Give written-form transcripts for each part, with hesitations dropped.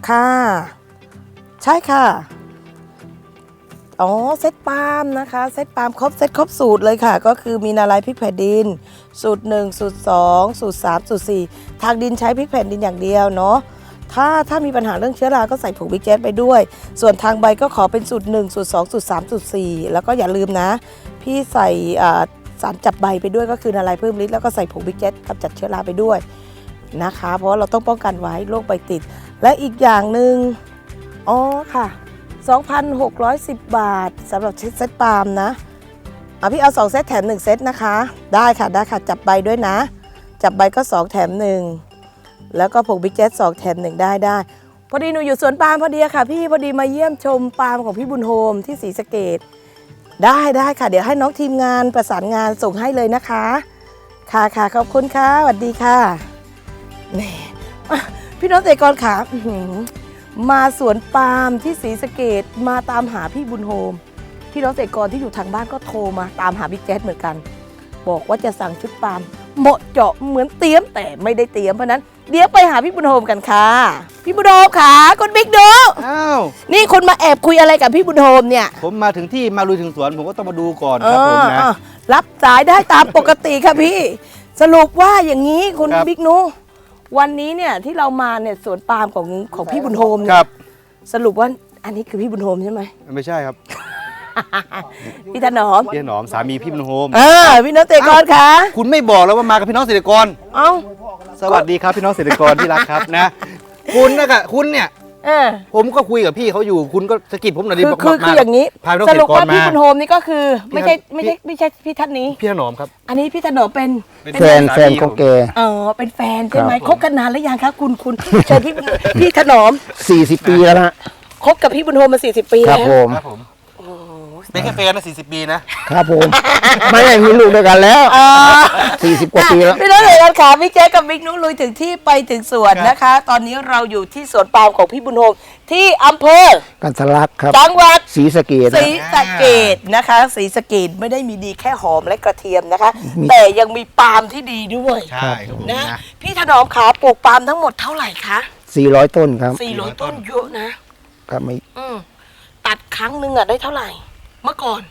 ค่ะใช่ค่ะอ๋อเซตปาล์มนะคะเซตปาล์มครบสูตรเลยค่ะก็คือมีนาลายพริกแผ่นดินสูตร1สูตร2สูตร3สูตร4ทางดินใช้พริกแผ่นดินอย่างเดียวเนาะถ้ามีปัญหาเรื่องเชื้อราก็ใส่ผงบิ๊กแจ๊สไปด้วยส่วนทางใบก็ขอเป็นสูตร1สูตร2สูตร3สูตร4แล้วก็อย่าลืมนะพี่ใส่สารจับใบไปด้วยก็คือนาลายเพิ่มฤทธิ์แล้วก็ใส่ผงบิ๊กแจ๊สกำจัดเชื้อราไปด้วยนะคะเพราะเราต้องป้องกันไว้โรคใบติดและอีกอย่างหนึ่งอ๋อค่ะ 2,610 บาทสำหรับเซตปาล์มนะพี่เอา2เซตแถม1เซตนะคะได้ค่ะจับใบด้วยนะจับใบก็2แถม1แล้วก็ผงบิ๊กแจ๊ส2แถม1ได้พอดีหนูอยู่สวนปาล์มพอดีค่ะพี่พอดีมาเยี่ยมชมปาล์มของพี่บุญโฮมที่ศรีสะเกษได้ค่ะเดี๋ยวให้น้องทีมงานประสานงานส่งให้เลยนะคะค่ะขอบคุณค่ะสวัสดีค่ะแหมพี่น้องเกษตรกรขามาสวนปาล์มที่ศรีสะเกษมาตามหาพี่บุญโฮมพี่น้องเกษตรกรที่อยู่ทางบ้านก็โทรมาตามหาบิ๊กแจ๊สเหมือนกันบอกว่าจะสั่งชุดปาล์มเหมาะเจาะเหมือนเตรียมแต่ไม่ได้เตรียมเพราะนั้นเดี๋ยวไปหาพี่บุญโฮมกันค่ะพี่บุญโฮมค่ะคุณบิ๊กดูอ้าวนี่คุณมาแอบคุยอะไรกับพี่บุญโฮมเนี่ยผมมาถึงที่มาลุยถึงสวนผมก็ต้องมาดูก่อนครับผมนะรับสายได้ตามปกติค่ะพี่สรุปว่าอย่างนี้คุณบิ๊กนูวันนี้เนี่ยที่เรามาเนี่ยสวนปาล์มของพี่บุญโฮมเนี่ยสรุปว่าอันนี้คือพี่บุญโฮมใช่ไหมไม่ใช่ครับพี่ถนอมสามีพี่บุญโฮมพี่น้องเกษตรกรคะคุณไม่บอกแล้วว่ามากับพี่น้องเกษตรกรสวัสดีครับพี่น้องเกษตรกรที่รักครับนะคุณเนี่ยผมก็คุยกับพี่เขาอยู่คุณก็สะกิดผมหน่อยดิคืออย่างนี้สรุปว่าพี่บุญโฮมนี่ก็คือไม่ใช่พี่ท่านนี้พี่ถนอมครับอันนี้พี่ถนอมเป็นแฟนของแกเป็นแฟนใช่ไหมคบกันนานแล้วยังคะคุณเชิญพี่ถนอม 40 ปีแล้วนะคบกับพี่บุญโฮมมา40 ปีแล้วครับผมเป็นแค่แฟนนะ40 ปีนะครับผมไม่ได้มีลูกด้วยกันแล้ว40 กว่าปีแล้วพี่น้องเอ๋ยค่ะพี่แจ๊คกับบิ๊กนุ้ลุยถึงที่ไปถึงสวนนะคะตอนนี้เราอยู่ที่สวนปาล์มของพี่บุญโฮมที่อำเภอกันทรลักษณ์ครับจังหวัดศรีสะเกษนะคะศรีสะเกษไม่ได้มีดีแค่หอมและกระเทียมนะคะแต่ยังมีปาล์มที่ดีด้วยใช่นะพี่ถนอมขาปลูกปาล์มทั้งหมดเท่าไหร่คะ 400 ต้นครับ 400 ต้นเยอะนะครับไม่ตัดครั้งหนึ่งได้เท่าไหร่เมื่อก่อน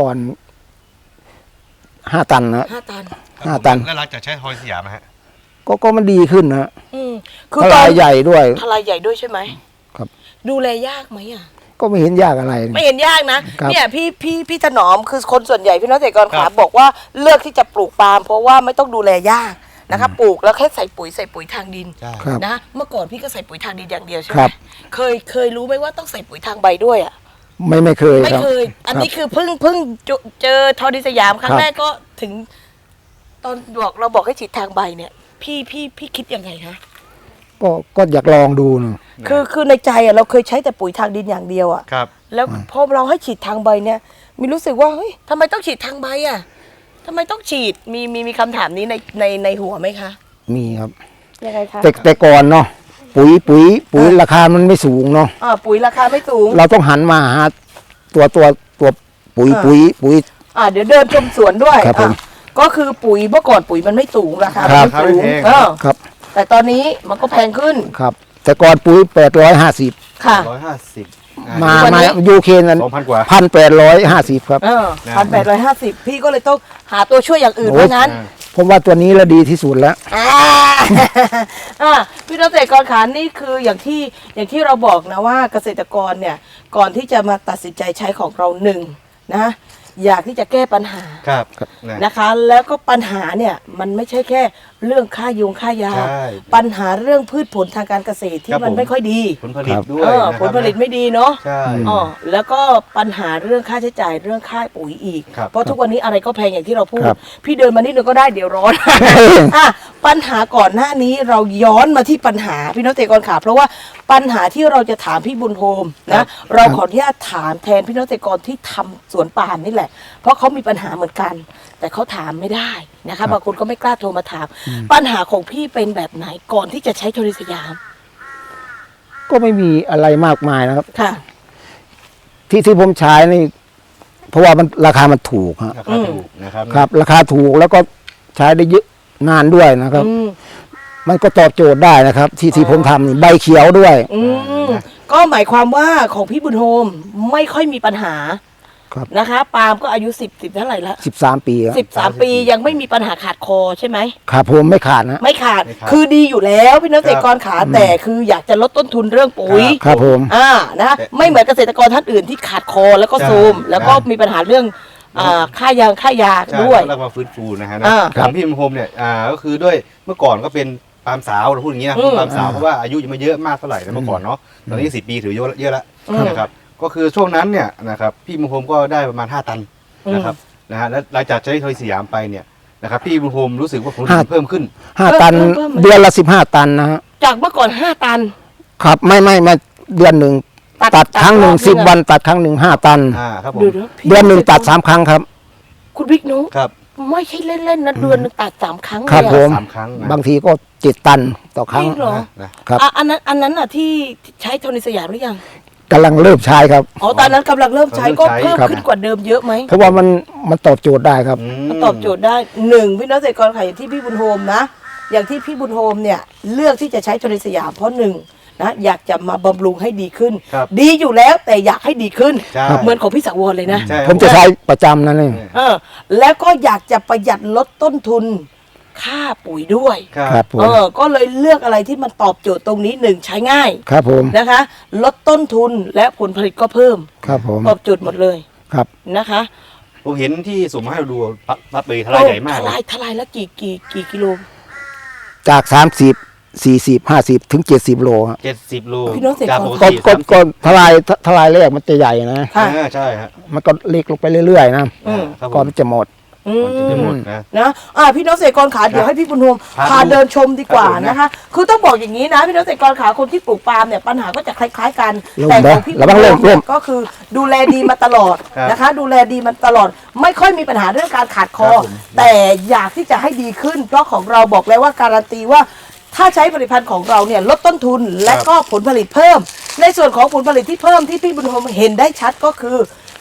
5 ตันนะ 5 ตันแล้วหลังจากใช้ทอยสยามฮะก็มันดีขึ้นนะคือทลายใหญ่ด้วยใช่ไหมครับดูแลยากไหมก็ไม่เห็นยากอะไรไม่เห็นยากนะเนี่ยพี่ถนอมคือคนส่วนใหญ่พี่น้องเกษตรกรขาบอกว่าเลือกที่จะปลูกปาล์มเพราะว่าไม่ต้องดูแลยากนะคะปลูกแล้วแค่ใส่ปุ๋ยทางดินนะเมื่อก่อนพี่ก็ใส่ปุ๋ยทางดินอย่างเดียวใช่ไหมเคยรู้ไหมว่าต้องใส่ปุ๋ยทางใบด้วยไม่เคยอันนี้คือเพิ่งเจอทอดิสยามครั้งแรกก็ถึงตอนเราบอกให้ฉีดทางใบเนี่ยพี่คิดยังไงคะก็อยากลองดูนะคือในใจเราเคยใช้แต่ปุ๋ยทางดินอย่างเดียวครับแล้วพอเราให้ฉีดทางใบเนี่ยมีรู้สึกว่าเฮ้ยทำไมต้องฉีดทางใบทำไมต้องฉีดมีคำถามนี้ในหัวไหมคะมีครับยังไงคะแต่ก่อนเนาะปุ๋ยราคามันไม่สูงเนาะปุ๋ยราคาไม่สูงเราต้องหันมาหาตัวปุ๋ยเดี๋ยวเดินชมสวนด้วยครับผมก็คือปุ๋ยเมื่อก่อนปุ๋ยมันไม่สูงราคาไม่สูงครับแต่ตอนนี้มันก็แพงขึ้นครับแต่ก่อนปุ๋ย850 ค่ะ 150มายูเคนกัน 2,000 กว่า 1,850ครับ 1,850พี่ก็เลยต้องหาตัวช่วยอย่างอื่นเพราะงั้นผมว่าตัวนี้แล้วดีที่สุดแล้วพี่น้องเกษตรกรขานี่คืออย่างที่เราบอกนะว่าเกษตรกรเนี่ยก่อนที่จะมาตัดสินใจใช้ของเรานะอยากที่จะแก้ปัญหานะคะแล้วก็ปัญหาเนี่ยมันไม่ใช่แค่เรื่องค่ายาปัญหาเรื่องพืชผลทางการเกษตรที่มันไม่ค่อยดีผลผลิตด้วยผลผลิตไม่ดีเนาะแล้วก็ปัญหาเรื่องค่าใช้จ่ายเรื่องค่าปุ๋ยอีกเพราะทุกวันนี้อะไรก็แพงอย่างที่เราพูดพี่เดินมานิดนึงก็ได้เดี๋ยวร้อนปัญหาก่อนหน้านี้เราย้อนมาที่ปัญหาพี่น้องเกษตรกรขาเพราะว่าปัญหาที่เราจะถามพี่บุญโฮมนะเราขออนุญาตถามแทนพี่น้องเกษตรกรที่ทำสวนปาล์มนี่แหละเพราะเขามีปัญหาเหมือนกันแต่เขาถามไม่ได้นะคะบางคนก็ไม่กล้าโทรมาถามปัญหาของพี่เป็นแบบไหนก่อนที่จะใช้ทอริสยามก็ไม่มีอะไรมากมายนะครับค่ะที่ผมใช้นี่เพราะว่ามันราคามันถูกนะครับครับราคาถูกแล้วก็ใช้ได้เยอะนานด้วยนะครับมันก็ตอบโจทย์ได้นะครับ ที่ผมทำนี่ใบเขียวด้วยก็หมายความว่าของพี่บุญโฮมไม่ค่อยมีปัญหาครับนะคะปาล์มก็อายุ10เท่าไหร่ละ 13 ปีครับ 13 ปียังไม่มีปัญหาขาดคอใช่ไหมครับผมไม่ขาดนะไม่ขาดคือดีอยู่แล้วพี่น้องเกษตรกรขาแต่คืออยากจะลดต้นทุนเรื่องปุ๋ยครับผมนะไม่เหมือนเกษตรกรท่านอื่นที่ขาดคอแล้วก็ซูมแล้วก็มีปัญหาเรื่องค่ายางค่ายาใช่ด้วยแล้วมาฟื้นฟูนะฮะอ่าของพี่บุญโฮมเนี่ยก็คือด้วยเมื่อก่อนก็เป็นปาล์มสาวเราพูดอย่างนี้นะปาล์มสาวเพราะว่าอายุยังไม่เยอะมากเท่าไหร่นะเมื่อก่อนเนาะตอนนี้10 ปีถือเยอะแล้วนะครับก็คือช่วงนั้นเนี่ยนะครับพี่บุญโฮมก็ได้ประมาณ5 ตันนะครับนะฮะแล้วหลังจากใช้ทอยสยามไปเนี่ยนะครับพี่บุญโฮมรู้สึกว่าผลผลิตเพิ่มขึ้น 5 ตันเพิ่มเดือนละ 15 ตันนะฮะจากเมื่อก่อน5 ตันครับไม่เดือนหนึ่งตัดตัดครั้งหนึ่งรอบนึง 10 วันตัดครั้งหนึ่ง5 ตันครับผมพี่เดือนหนึ่งตัด 3 ครั้งครับคุณบิ๊กนุ๊กครับไม่ใช่เล่นๆนะเดือนหนึงตัด3 ครั้งเลยครับอะผม 3 ครั้งนะบางทีก็7 ตันต่อครั้งจริงเหรอนะครับอันนั้นอ่ะที่ใช้โทนิสยามหรือยังกำลังเริ่มใช้ครับอ๋อตอนนั้นกำลังเริ่มใช้ก็เพิ่มครับขึ้นกว่าเดิมเยอะไหมเพราะว่ามันตอบโจทย์ได้ครับมันตอบโจทย์ได้หนึ่งพี่น้องเกษตรกรค่ะอย่างที่พี่บุญโฮมนะ อย่างที่พี่บุญโฮมเนี่ยเลือกที่จะใช้โทนิสยามเพราะหนึ่งนะอยากจะมาบำรุงให้ดีขึ้นครับดีอยู่แล้วแต่อยากให้ดีขึ้นใช่เหมือนของพี่สังวรเลยนะใช่ผมจะใช้ประจำนั่นเองแล้วก็อยากจะประหยัดลดต้นทุนค่าปุ๋ยด้วยครับผมก็เลยเลือกอะไรที่มันตอบโจทย์ตรงนี้หนึ่งใช้ง่ายครับผมนะคะ ลดต้นทุนและผลผลิตก็เพิ่มครับผมตอบโจทย์หมดเลยครับนะคะผมเห็นที่ส่งมาให้เราดูปั๊บเลยทลายใหญ่มากทเลยลายแล้วกี่กิโลจาก 30 40 50 ถึง 70 โลครับ 70 โลพี่น้องเกษตรกรจากปกก็ติก็ทลายแรกมันจะใหญ่นะค่ะใช่ฮะมันก็เล็กลงไปเรื่อยๆนะครับผก่อนมมันจะหมดก่อนจะหมดนะนะพี่น้องเกษตรกรขาเดี๋ยวให้พี่บุญโฮมครับพาเดินชมดีกว่าครับผมนะนะคะ คือต้องบอกอย่างนี้นะพี่น้องเกษตรกรขาคนที่ปลูกปาล์มเนี่ยปัญหาก็จะคล้ายๆกันเริ่มแต่ของนะพี่บุระวัญงโฮเริ่มมเนี่ยก็คือดูแลดีมาตลอดครับนะคะ ดูแลดีมาตลอด ไม่ค่อยมีปัญหาเรื่องการขาดคอครับผมแต่อยากที่จะให้ดีขึ้นเพราะของเราบอกแล้วว่าการันตีว่า ถ้าใช้ผลิตภัณฑ์ของเราเนี่ยลดต้นทุนและก็ผลผลิตเพิ่ม ในส่วนของผลผลิตที่เพิ่มที่พี่บุญโฮมเห็นได้ชัดก็คือ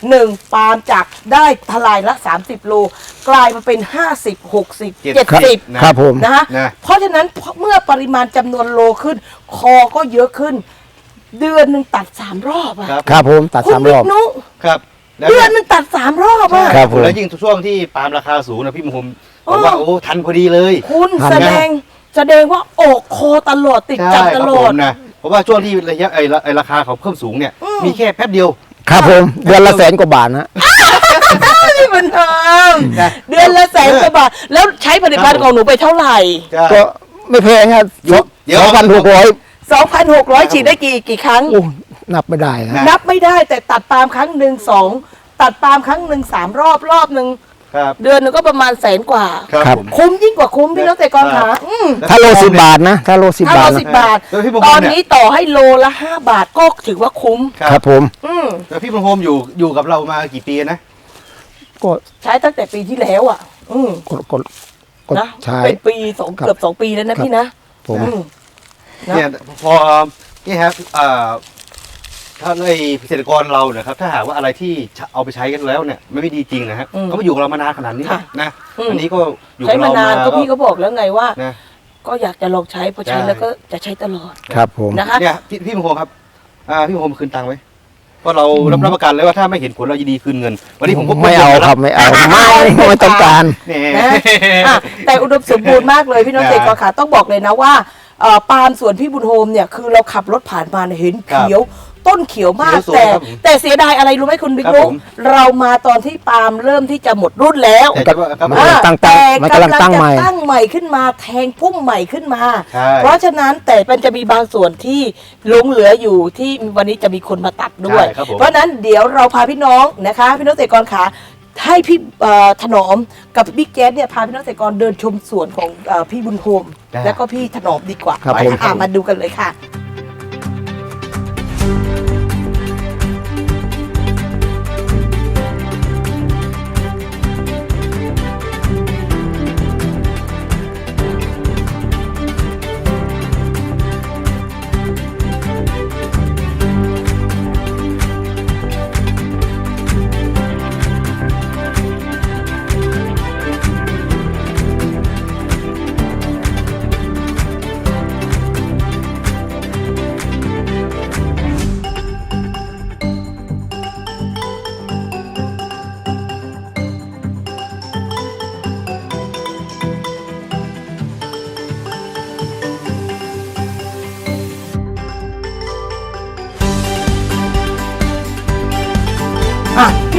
1. ปาล์มจากได้ทลายละ 30 โล กลายมาเป็น 50 60 70 ครับผมนะคะนะเพราะฉะนั้นเมื่อปริมาณจำนวนโลขึ้น คอก็เยอะขึ้น เดือนหนึ่งตัด 3 รอบอะครับครับผมตัดคุณ 3 รบิ๊อก บนุครับแล้วเดืเนี่อย นหนึ่งตัด 3 รอบอะครับผมแล้วยิ่งช่วงที่ปาล์มราคาสูงนะพี่มุมบอกว่าโอ้ทันพอดีเลยคุณทำไงแสดงว่าออกคอตลอดติดจับใช่ตครับลผอดมนะเพราะว่าช่วงที่ระยะไอ้ราคาเขาเพิ่มสูงเนี่ยมีแค่แป๊บเดียวครับผมเดือนละ100,000 กว่าบาทนะนี่มันทำเดือนละ100,000 กว่าบาท แล้วใช้ผลิตภัณฑ์ของหนูไปเท่าไหร่ใช่ก็ไม่แพงครับเดี๋ยว 2,600 2,600 ฉีดได้กี่ครั้งโอ้นับไม่ได้นะนับไม่ได้แต่ตัดปาล์มครั้งหนึ่ง2 ตัดปาล์มครั้งหนึ่ง3 รอบหนึ่งครับเดือนหนึงก็ประมาณ100,000 กว่าครับผมคุ้มยิ่งกว่าคุ้มพี่น้องเกษตรกรขาถ้าโล10 บาทนะถ้าโล10 ถ้าบาเราทสินะบบาทแล้วพี่บุญตโฮอมนเนี่ยนี้ต่อให้โลละ5 บาทก็ถือว่าคุ้มครับผมแล้วพี่บุญโฮมอยู่กับเรามากี่ปีนะก็ใช้ตั้งแต่ปีที่แล้วอ่ะก็นะใช้เป็นปีครับเกือบ2 ปีแล้วนะพี่นะผมอืม นะเนี่ยพอนี่ครับถ้าในเกษตรกรเราเนี่ยครับถ้าหากว่าอะไรที่เอาไปใช้กันแล้วเนี่ยไม่ดีจริงนะฮะก็มาอยู่กับเรามานานขนาดนี้นะอันนี้ก็อยู่ใช้กับมาเรานานก็พี่ก็บอกแล้วไงว่านะก็อยากจะลองใช้พอใช้ใช่แล้วก็จะใช้ตลอดครับผมนะคะเนี่ยพี่มงคลครับพี่มงคลคืนตังค์ไหมเพราะเรารับประกันเลยว่าถ้าไม่เห็นผลเราจะดีคืนเงิน วันนี้ผมก็ไม่เอาครับไม่เอาไม่ต้องการเนี่ยนะอ่ะแต่อุดมสมบูรณ์มากเลยพี่น้องเกษตรกรขาต้องบอกเลยนะว่าปาล์มสวนพี่บุญโฮมเนี่ยคือเราขับรถผ่านมาเนี่ยเห็นเขียว ต้นเขียวมากเขียวสวยครับผมแต่เสียดายอะไรรู้ไหมคุณบิ๊กครับนุ๊กผมเรามาตอนที่ปาล์มเริ่มที่จะหมดรุ่นแล้วแต่ว่าครับมันผมตั้งแต่มันกำลังตั้งใหม่จะตั้งใหม่ขึ้นมาแทงพุ่มใหม่ขึ้นมาใช่เพราะฉะนั้นแต่มันจะมีบางส่วนที่หลงเหลืออยู่ที่วันนี้จะมีคนมาตัดด้วยใช่ครับผมเพราะฉะนั้นเดี๋ยวเราพาพี่น้องนะคะ พี่น้องเกษตรกรขาให้พี่ถนอมกับบิ๊กแจ๊ดเนี่ยพาพี่น้องเกษตรกรเดินชมสวนของพี่บุญโฮมได้แล้วก็พี่ถนอมดีกว่าครับไปผมมาดูกันเลยค่ะ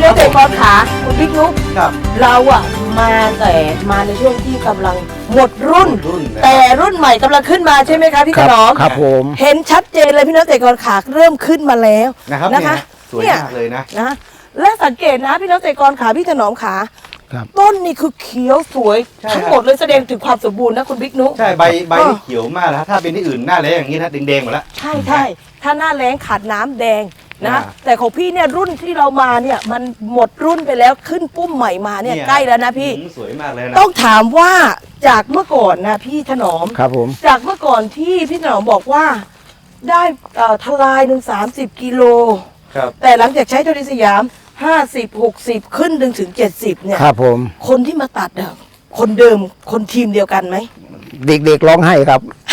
กษตรกรขาคุณบิ๊กนุ๊กครับเราอะมาในช่วงที่กำลังหมดรุ่นรุ่นนะแต่รุ่นใหม่กำลังขึ้นมาใช่ไหมคะพี่คถรับนอมครับผมเห็นชัดเจนเลยพี่น้องเกษตรกรขาเริ่มขึ้นมาแล้วนะครับนะคะสวยเนี่ยมากเลยนะนะและสังเกตนะพี่น้องเกษตรกรขาพี่ถนอมขาครับต้นนี่คือเขียวสวยใช่ทั้งหมดเลยแสดงถึงความสมบูรณ์นะคุณบิ๊กนุ๊กใช่ใบนี่เขียวมากแล้วถ้าเป็นที่อื่นหน้าแล้งอย่างนี้นะแดงๆหมดแล้วใช่ใช่ถ้าหน้าแล้งขาดน้ำแดงนะอ่าแต่ของพี่เนี่ยรุ่นที่เรามาเนี่ยมันหมดรุ่นไปแล้วขึ้นปุ้มใหม่มาเนี่ยใกล้แล้วนะพี่สวยมากเลยนะต้องถามว่าจากเมื่อก่อนนะพี่ถนอมครับผมจากเมื่อก่อนที่พี่ถนอมบอกว่าได้ทลายหนึ่ง30 กิโลครับแต่หลังจากใช้โทนิสยาม 50-60 ขึ้นถึง 70 เนี่ยครับผมคนที่มาตัดอะคนเดิมคนทีมเดียวกันไหมเด็กๆร้องไห้ครับ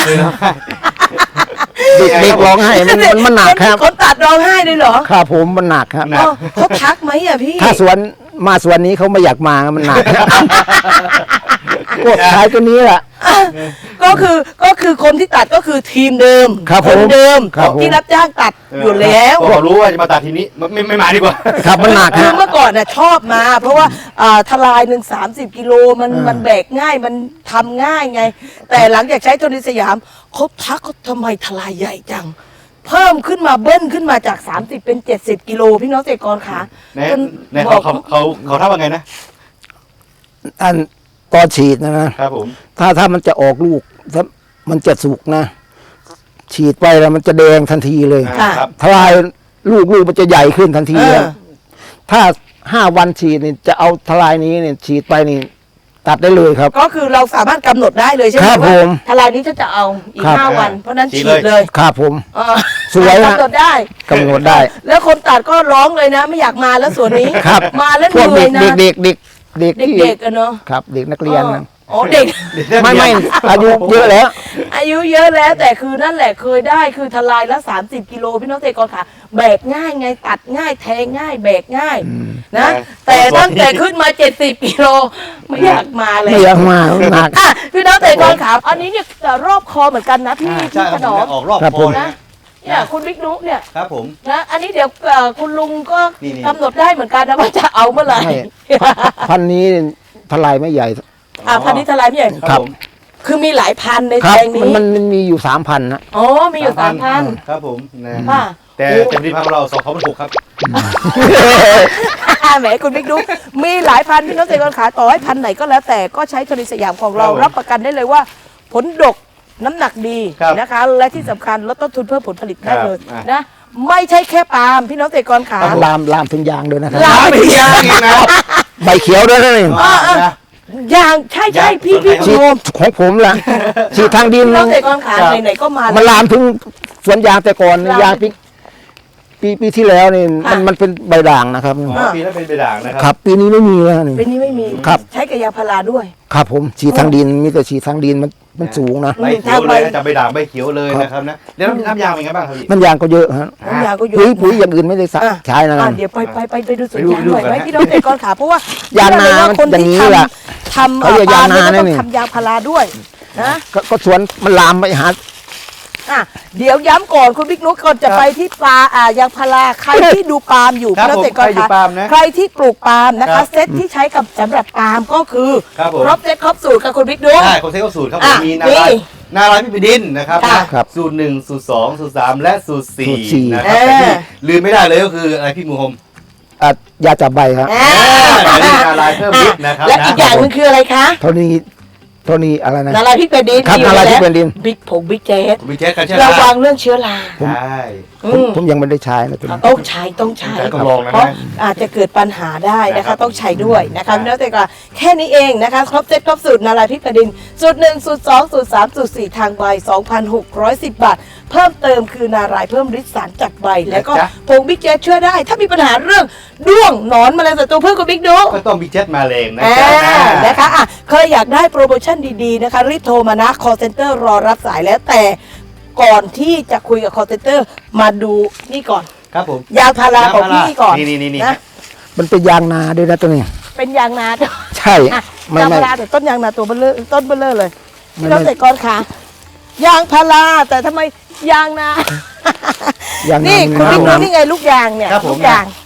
เด็กๆร้องไห้มันหนักครับคนตัดร้องไห้เลยเหรอครับผมมันหนักครับหนักอ๋อเขาทักไหมอะพี่ถ้าสวนนี้เขาไม่อยากมามันหนักกดท้ายตัวนี้แหละก็คือคนที่ตัดก็คือทีมเดิมครับคนเดิมครับผมที่รับจ้างตัดอยู่แล้วพอรู้ว่าจะมาตัดทีนี้ไม่มาดีกว่าครับมันหนักคือฮะเมื่อก่อนน่ะชอบมา เพราะว่าทลาย30 กิโลมันแบกง่ายมันทำง่ายไง แต่หลังจากใช้โทนิสยามเขาทักเขาทำไมทลายใหญ่จัง เพิ่มขึ้นมาเบิ้ลขึ้นมาจาก 30 เป็น 70 กิโลพี่น้องเกษตรกรขาในเขาทำว่าไงนะอันตอนฉีดนะครับผมถ้ามันจะออกลูกถ้ามันจะสุกนะ ฉีดไปแล้วมันจะแดงทันทีเลยครับทลายลูกมันจะใหญ่ขึ้นทันทีเอเลอยถ้า5 วันฉีดนี่จะเอาทลายนี้เนี่ยฉีดไปนี่ตัดได้เลยครับก็คือเราสามารถกำหนดได้เลยใช่ไหมครับว่าผมทลายนี้จะเอาอีกครับ 5 วัน เพราะฉะนั้นฉีฉีดดเลยเลยครับผมเออสวยนะกำหนดได้กำหนดได้แล้วคนตัดก็ร้องเลยนะ ไม่อยากมาแล้วส่วนนี้ครับมาแล้วเหพวกนื่อยนะเด็กที่เด็กๆอะเนาะครับ เด็กนักเรียนนะอ๋อเด็กไม่อายุเยอะแล้วอายุเยอะแล้วแต่คือนั่นแหละเคยได้คือทลายละ30 กิโลพี่น้องเกษตรกรค่ะแบกง่ายไงตัดง่ายแทงง่ายแบกง่ายนะ แต่ตั้งแต่ขึ้นมา70 กิโลไม่อยากมาเลยไม่อยากมาหนักอ่ะพี่น้องเกษตรกรค่ะอันนี้เนี่ยรอบคอเหมือนกันนะพี่ใช่พี่คถรับนอมออกรอบครับคผอมนะนะเนี่ยคุณบิ๊กนุ๊กเนี่ยครับผมนะอันนี้เดี๋ยวคุณลุงก็นี่กำหนดได้เหมือนกันนะว่าจะเอาเมื่อไหร่ใช่ พันธุ์นี้ทลายไม่ใหญ่พันธุ์นี้ทลายพี่ใหญ่ครับผมคือมีหลายพันธุ์ในครัแปบลงนี้มันมีอยู่3,000นะอ๋อมีอยู่3,000 ครับผมนะค่ะแต่เต็มที่พันของเรา2,600ครับแหมคุณบิ๊กดุ๊กมีหลายพันธุ์พี่น้องเกษตรกรขาต่อให้พันธุ์ไหนก็แล้วแต่ก็ใช้โทนิสยามของเราครับผมรับประกันได้เลยว่า ผลดกน้ำหนักดีครับนะคะ และที่สำคัญลดต้นทุนเพิ่มผลผลิตได้เลยครับนะไม่ใช่แค่ปาล์มพี่น้องเกษตรกรขาลามถึงยางด้วยนะครับลามไม่ยากอีกนะใบเขียวด้วยนะนี่นะอย่างใช่ใช่พี่ฉีคุณฉีโอดมของผมล่ะฉีดทางดินพี่น้องเกษตรกรขาครับไหนๆก็มามันแล้วลามถึงสวนยางแต่ก่อนลามยางปีที่แล้วนี่ค่ะมันเป็นใบด่างนะครับอ๋อปีนั้นเป็นใบด่างนะคครัรับ ปีนี้ไม่มีแล้วนี่เป็นนี้ไม่มีครับใช้กับยาพาราด้วยครับผมฉีดทางดินมีแต่ฉีดทางดินมันสูงนะใบเขียวเลยนะจับใบด่างใบเขียวเลยนะครับนะแล้วน้ำยางเป็นไงบ้างครับพี่น้ำยางก็เยอะฮะน้ำยาก็เยอะปุ๋ยอย่างอื่นไม่ได้อ่ะใช้นะเดี๋ยวไปดูสวนยางไปดูหน่อยกันไหมนะพี่น้องเกษตรกรขาเพราะว่ายางนาเชื่อเลยว่าคนอย่างที่นี้แหละทำเขาเรียกปาล์มยางนาเนี่ยก็ต้องนี่ทำยางพาราด้วยนะก็สวนมันลามไปหาอ่ะเดี๋ยวย้ำก่อนคุณบิ๊กนุ๊กก่อนจะไปที่ปลายางพาราใครที่ดูปาล์มอยู่ครับพี่น้องเกษตรกรผมใครดูขาปาล์มนะใครที่ปลูกปาล์มนะครัคะบเซตที่ใช้กับสำหรับปาล์มก็คือครับผมครบเซตครบสูตรค่ะคุณบิ๊กนุ๊กใช่คนเซ็กสูตรครับผอ่ะมมีนี่นาลายพี่ปิดินนะครับค่ะนะครับสูตร1สูตร2สูตร3และสูตรสูตรสี่ 4นะครับแต่ที่ลืมไม่ได้เลยก็คืออะไรพี่มูฮมยาจับใบครับอ่านี่นาลายเพิ่มฤทธิ์นะครับและอีกอย่างหนึงคืออะไรคะเท่านี้อะไรนะนาลายพริกแผ่นดินครับมีอยู่นาลายพริกแล้วแผ่นดินบิ๊กผงบิ๊กเจสวิเช็คกันใช่ไหมระวังเรื่องเชื้อราใช่ผมยังไม่ได้ใช้นะตัวนี้ต้องใช้ต้องใช้ต้องลองนะเพราะอาจจะเกิดปัญหาได้นะครัคะบต้องใช้ด้วยนะคะพี่น้องเกษตรกรแค่นี้เองนะคะครบเซตครบสูตรนาลายพริกแผ่นดินสูตร1สูตร2สูตร3สูตร4ทางใบ 2,610 บาท เพิ่มเติมคือนารายเพิ่มฤทธิ์สารจากใบ แล้วก็ผงบิ๊กเจสช่วยได้ ถ้ามีปัญหาเรื่องด้วงหนอนแมลงศัตรูพืชกับบิ๊กดูก็ต้องมีเจ็ตมาแรงนะอ่าครับนะคะอ่ะเคยอยากได้โปรโมชั่นดีๆนะคะรีบโทรมานะ call center รอรับสายแล้วแต่ก่อนที่จะคุยกับ call center มาดูนี่ก่อนครับผมยางพาราของพี่ก่อนนี่นะมันเป็นยางนาด้วยนะตัวนี้เป็นยางนาใช่อ่ะไม่ยางไม่พาราแต่ต้นยางนาตัวเบลเลอร์ต้นเบลเลอร์เลยไม่พี่น้องไม่เกษตรกรค่ะยางพาราแต่ทำไมยางนายางนานี่มัคุณนบิ๊กน้ำดูนี่ไงลูกยางเนี่ยครับผมลูกยาง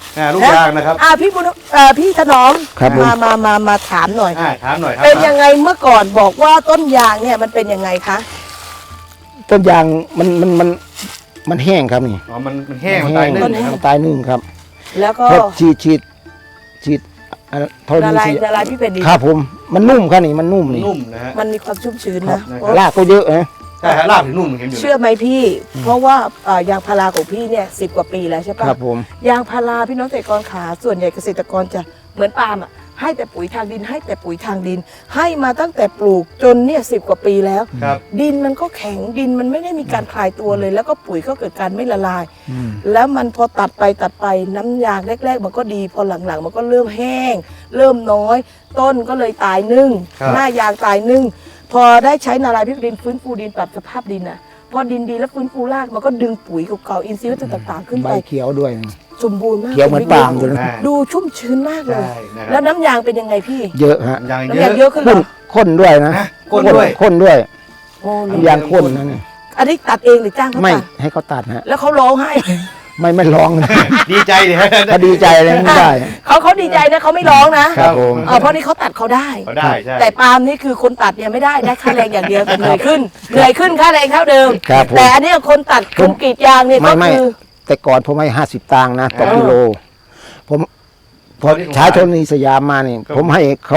ลูกยางนะครับพี่ถนอมครับผมมาถามหน่อยถามหน่อยครับเป็นยังไงเมื่อก่อนบอกว่าต้นยางเนี่ยมันเป็นยังไงคะต้นยางมันแห้งครับนี่อ๋อมันแห้งมันตายนึ่งมันตายนึ่งครับแล้วก็พอฉีดทนละลายสีละลายพี่เป็นดีครับผมมันนุ่มครับนี่มันนุ่มนี่นุ่มนะฮะมันมีความชุ่มชื้นครับนะรากก็เยอะนะใช่ฮะลาบถึงนุ่มเห็นอยู่เชื่อไหมพี่ เพราะว่ายางพาราของพี่เนี่ย10 กว่าปีแล้วใช่ปะครับผมยางพาราพี่น้องเกษตรกรขาส่วนใหญ่เกษตรกรจะเหมือนปาล์มอ่ะให้แต่ปุ๋ยทางดินให้แต่ปุ๋ยทางดิน ให้มาตั้งแต่ปลูกจนเนี่ย10 กว่าปีแล้วครับดินมันก็แข็งดินมันไม่ได้มีการคลายตัวเลย แล้วก็ปุ๋ยก็เกิดการไม่ละลายอืมแล้วมันพอตัดไปน้ำยางแรก ๆ มันก็ดีพอหลังๆ มันก็เริ่มแห้ง เริ่มน้อย ต้นก็เลยตายนึ่งครับหน้ายางตายนึ่งพอได้ใช้นารายพิดินฟื้นฟูดินปรับสภาพดินน่ะพอดินดีแล้วฟื้นฟูรากมันก็ดึงปุ๋ยเก่าๆอินทรีย์วัตถุต่างๆ ขึ้นใบไปเขียวด้วยสมบูรณ์มากเขียวเหมือนปาล์มเลยนะดูชุ่มชื้นมากเลยใช่นะคแล้รัวบน้ำยางเป็นยังไงพี่เยอะฮะยางน้ำเยยางอะเยอะขึ้นเหรอข้นด้วยนะข้นด้วยข้นด้วยโอ้น้ำยางข้นนะนี่อันนี้ตัดเองหรือจ้างเขาไม่ตัดให้เขาตัดฮะแล้วเขาร้องไห้ไม่ร้องนะดีใจเลยฮะถ้าดีใจเลยไม่ได้เขาดีใจนะเขาไม่ร้องนะครับผมเพราะนี่เขาตัดเขาได้เขาได้ใช่แต่ปาล์มนี่คือคนตัดเนี่ยไม่ได้ค่าแรงอย่างเดียวแต่เหนื่อยขึ้นค่าแรงเท่าเดิมครับผมแต่อันเนี้ยคนตัดคนกรีดยางเนี่ยก็ไม่คือแต่ก่อนผมให้50 ตังค์นะต่อกิโล ผมพอใช้โทนีสยามมานี่ผมให้เขา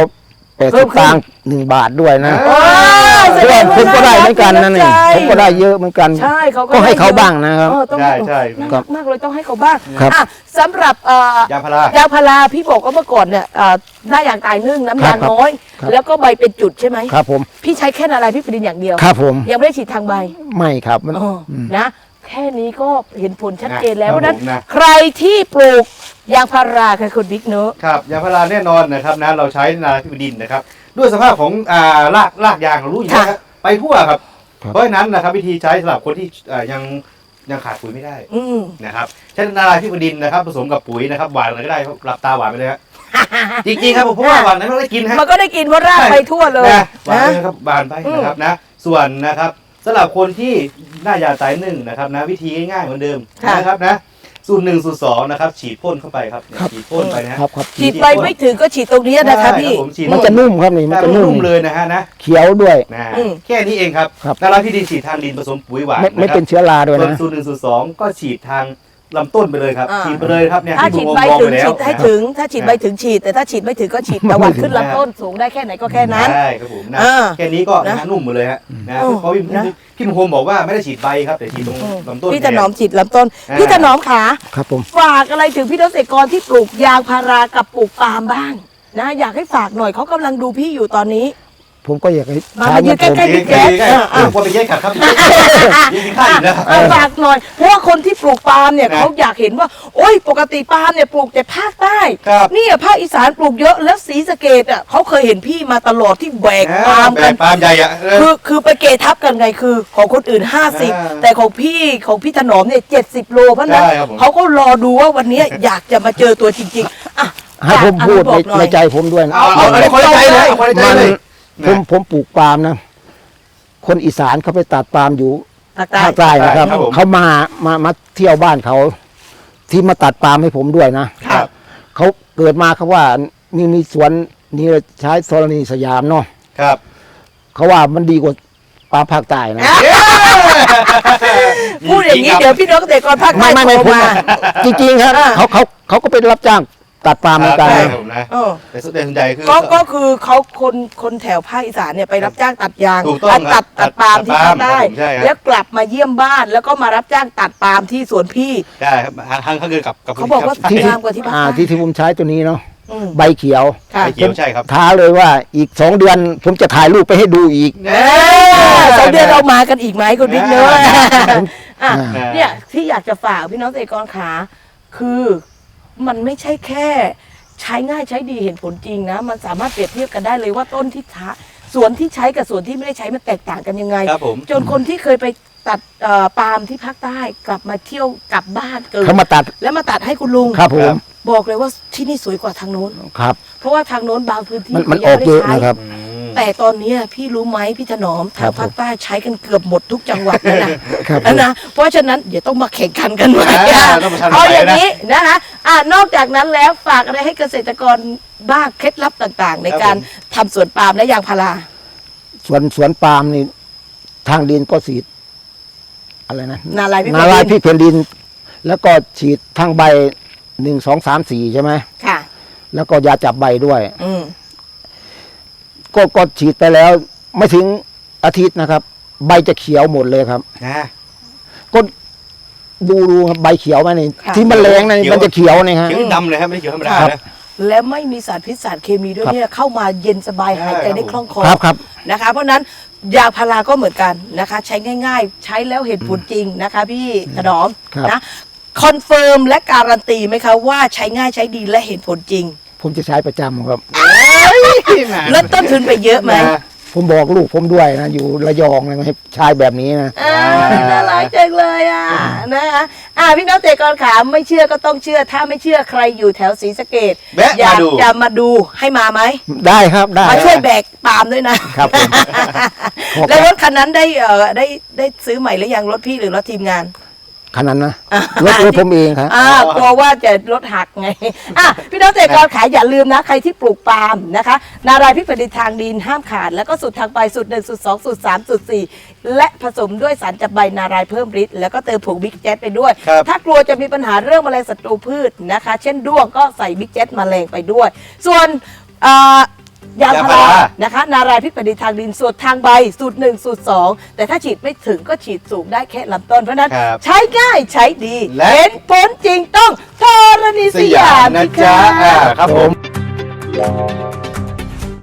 80 ตังค์1 บาทด้วยนะโอ้ยแสดงว่าผมก็ได้เหมือนกันนะนี่าผมก็ได้เยอะเหมือนกันใช่เขาก็ให้เขาได้ยอะบ้างนะครับต้องใช่ใช่น่ารักมากเลยต้องให้เขาบ้างครับอ่ะสำหรับยางพารายางพาราพี่บอกว่าเมื่อก่อนเนี่ยหน้ายางตายนึ่งน้ำยางครับน้อยครับแล้วก็ใบเป็นจุดใช่ไหมครับผมพี่ใช้แค่อะไรพี่ปรินอย่างเดียวครับผมยังไม่ได้ฉีดทางใบไม่ครับมันนะแค่นี้ก็เห็นผลชัดเจนแล้วครับเพราะฉะนั้นผมนะใครที่ปลูกยางพาราค่ะคุณบิ๊กเนอะครับยางพาราแน่นอนนะครับนะเราใช้นาพิบดินนะครับด้วยสภาพของรากยางเรารู้อยู่แล้วครับไปทั่วครับ เพราะฉะนั้นนะครับวิธีใช้สำหรับคนที่ยังขาดปุ๋ยไม่ได้อืมนะครับใช้นาราพิบดินนะครับผสมกับปุ๋ยนะครับหวานอะไรก็ได้หลับตาหวานไปเลยฮะ จริงๆครับผมเพราะว่าหวานนั้นเราได้กินฮะมันก็ได้กินเพราะรากไปทั่วเลยนะหวานนะไปนะครับหวานไปนะครับนะส่วนนะครับสำหรับคนที่หน้ายาตายนึ่งนะครับนะวิธีง่ายๆเหมือนเดิมนะครับนะสูตร 1 สูตร 2นะครับฉีดพ่นเข้าไปครับฉีดพ่นไปนะฮะครับครับฉีดไปไม่ถึงก็ฉีดตรงนี้นะคะพี่ผมฉีดมันจะนุ่มครับนี่มันแต่จะมันนุ่นุ่มมเลยนะฮะนะเขียวด้วยนะอืมแค่นี้เองครับครับนาราพิบดินฉีดทางดินผสมปุ๋ยหวานไม่เป็นเชื้อราด้วยส่วนนะสูตร 1 สูตร 2ก็ฉีดทางลำต้นไปเลยครับอ่าฉีดไปเลยครับเนี่ยถ้าที่ฉีดผมใบมองถึไปงแล้วฉีดให้ถึง ถ้าฉีดใบถึงฉีด แต่ถ้าฉีดไม่ถึงก็ฉีดตะวันขึ้นลำต้นสูงได้แค่ไหนก็แค่นั้นใช่ครับผมนะอ่าแค่นี้ก็นะนุ่มหมดเลยฮะนะโอ้เพราะพี่มงคลบอกว่าไม่ได้ฉีดใบครับแต่ฉีดตรงลำต้นพี่ถนอมแทฉีดลำต้น พี่ถนอมขาครับผมฝากอะไรถึงพี่เกษตรกรที่ปลูกยางพารากับปลูกปาล์มบ้างนะอยากให้ฝากหน่อยเขากำลังดูพี่อยู่ตอนนี้ผมก็อยากให้มาใช้ยืนเหมือนใกล้ผมๆพี่แจ๊คใกล้ๆผมว่าไปแยกขัดครับยิงข้าอีกแล้วฝากหน่อยเพราะว่าคนที่ปลูกปาล์มเนี่ยนะเขาอยากเห็นว่า โอ้ยปกติปาล์มเนี่ยปลูกแต่ภาคใต้ครับเนี่ยภาคอีสานปลูกเยอะแล้วศรีสะเกษอ่ะเขาเคยเห็นพี่มาตลอดที่แบกปาล์มแบกันกปาล์มใหญ่อะคือไปเกทับกันไงคือของคนอื่น 50 แต่ของพี่ถนอมเนี่ย70 โลเพราะฉะนั้นใช่ครับผมเขาก็รอดูว่าวันนี้อยากจะมาเจอตัวจริงๆอ่ะให้ผมพูดบอกหน่อยในใจผมด้วยนะเอาคนละใจเลยเอาคนละใจมันเลยผมปลูกปาล์มนะ คนอีสานเขาไปตัดปาล์มอยู่ภาคใต้ภาคใต้นะครับครับผมเขามาเที่ยวบ้านเขา ที่มาตัดปาล์มให้ผมด้วยนะครับ เขาเกิดมาเขาว่ามีสวนนี่ใช้โซลานีสยามเนาะครับเขาว่ามันดีกว่าปาล์มภาคใต้นะพูดอย่างนี้เดี๋ยวพี่น้องเกษตรกรภาคใต้ไม่โทรผมมาจริงๆครับอ่าเขาก็เป็นรับจ้างตัดปาล์มเหมือนกันใช่นะครับผมนะเออแต่ส่วนใหญ่คือก็คือเขาคนแถวภาคอีสานเนี่ยไปรับจ้างตัดยางถูกต้องครับตัดปาล์มที่ภาคใต้ใช่ครับแล้วกลับมาเยี่ยมบ้านแล้วก็มารับจ้างตัดปาล์มที่สวนพี่ใช่ครับทางเขาเกินกับเขาบอกว่าที่งามกว่าที่ภาคใต้ที่ผมใช้ตัวนี้เนาะอืมใบเขียวค่ะไข่เขียวใช่ครับท้าเลยว่าอีก2 เดือน ผมจะถ่ายรูปไปให้ดูอีก 2 เดือนเรามากันอีกไหมคุณบิ๊กเนอะอ่ะอ่าเนี่ยที่อยากจะฝากพี่น้องเกษตรกรขาคือมันไม่ใช่แค่ใช้ง่ายใช้ดีเห็นผลจริงนะ มันสามารถเปรียบเทียบกันได้เลยว่าต้นที่สวนที่ใช้กับสวนที่ไม่ได้ใช้มันแตกต่างกันยังไงครับผมจนคนที่เคยไปตัดปาล์มที่ภาคใต้กลับมาเที่ยวกลับบ้านเกิดเขามาตัดแล้วมาตัดให้คุณลุงครับผมบอกเลยว่าที่นี่สวยกว่าทางโน้นครับเพราะว่าทางโน้นบางพื้นที่มันขาอยัอง กไม่เยได้อะใช้นะครับอืมแต่ตอนเนี้ยพี่รู้ไหมพี่ถนอมครัทางบภาคใต้ใช้กันเกือบหมดทุกจังหวัดแล้วนะครับผมนะเพราะฉะนั้นเดี๋ยวต้องมาแข่งขันกันใหม่ต้องมาชันเอาอย่างไหนนะนี้นะคะนอกจากนั้นแล้วฝากอะไรให้เกษตรกรบ้างเคล็ดลับต่างๆ ในการทำสวนปาล์มและยางพาราสวนปาล์มนี่ทางดินก็ฉีดอะไรนะนาลายพินาลายพิพี่เพนดิน แล้วก็ฉีดทางใบ1 2 3 4ใช่ไหมค่ะแล้วก็ยาจับใบด้วยอืมก็ฉีดไปแล้ว ไม่ถึงอาทิตย์นะครับ ใบจะเขียวหมดเลยครับนะก็ดูครับใบเขียวไหมนี่ค่ะที่มันแรงนะเขียวมันจะเขียวนี่ฮะเขียวดำเลยครับไม่ได้เขียวธรรมดาครับนะและไม่มีสารพิษสารเคมีด้วยครับเนี่ยเข้ามาเย็นสบายหายใจได้คล่องคอครับนะคะ เพราะฉะนั้นยาพาราก็เหมือนกันนะคะ ใช้ง่าย ๆ ใช้แล้วเห็นผลจริงนะคะ พี่ถนอมครับนะคอนเฟิร์มและการันตีไหมคะว่าใช้ง่ายใช้ดีและเห็นผลจริงผมจะใช้ประจำครับลดต้นทุนไปเยอะไหมผมบอกลูกผมด้วยนะ อยู่ระยองนะให้ใช้แบบนี้นะน่ารักจังเลยนะคะพี่น้องเกษตรกรขาไม่เชื่อก็ต้องเชื่อ ถ้าไม่เชื่อใครอยู่แถวศรีสะเกษแวะอยากมาดูจะมาดูให้มาไหมได้ครับได้มาช่วยแบกปาล์มด้วยนะครับผมแล้วรถคันนั้นได้ซื้อใหม่หรือยังรถพี่หรือรถทีมงานขนาดนะรถผมเองครับกลัวว่าจะรถหักไงพี่น้องเกษตรกรขายอย่าลืมนะใครที่ปลูกปาล์มนะคะนารายพิผลิตทางดินห้ามขาด แล้วก็สูตรทางใบสูตร1สูตร2สูตร3สูตร4และผสมด้วยสารจับใบนารายเพิ่มฤทธิ์แล้วก็เติมผงบิ๊กแจ๊ดไปด้วยครับถ้ากลัวจะมีปัญหาเรื่องแมลงศัตรูพืชนะคะ เช่นด้วงก็ใส่บิ๊กแจ๊ดแมลงไปด้วย ส่วนยาพารานะคะนารายพิษผลิตทางดินสูตรทางใบสูตร1สูตร2แต่ถ้าฉีดไม่ถึงก็ฉีดสูงได้แค่ลำต้นเพราะฉะนั้นครับใช้ง่ายใช้ดีและเห็นผลจริงต้องธรณีสสยายาม มนะสิจ๊ะคะครับผม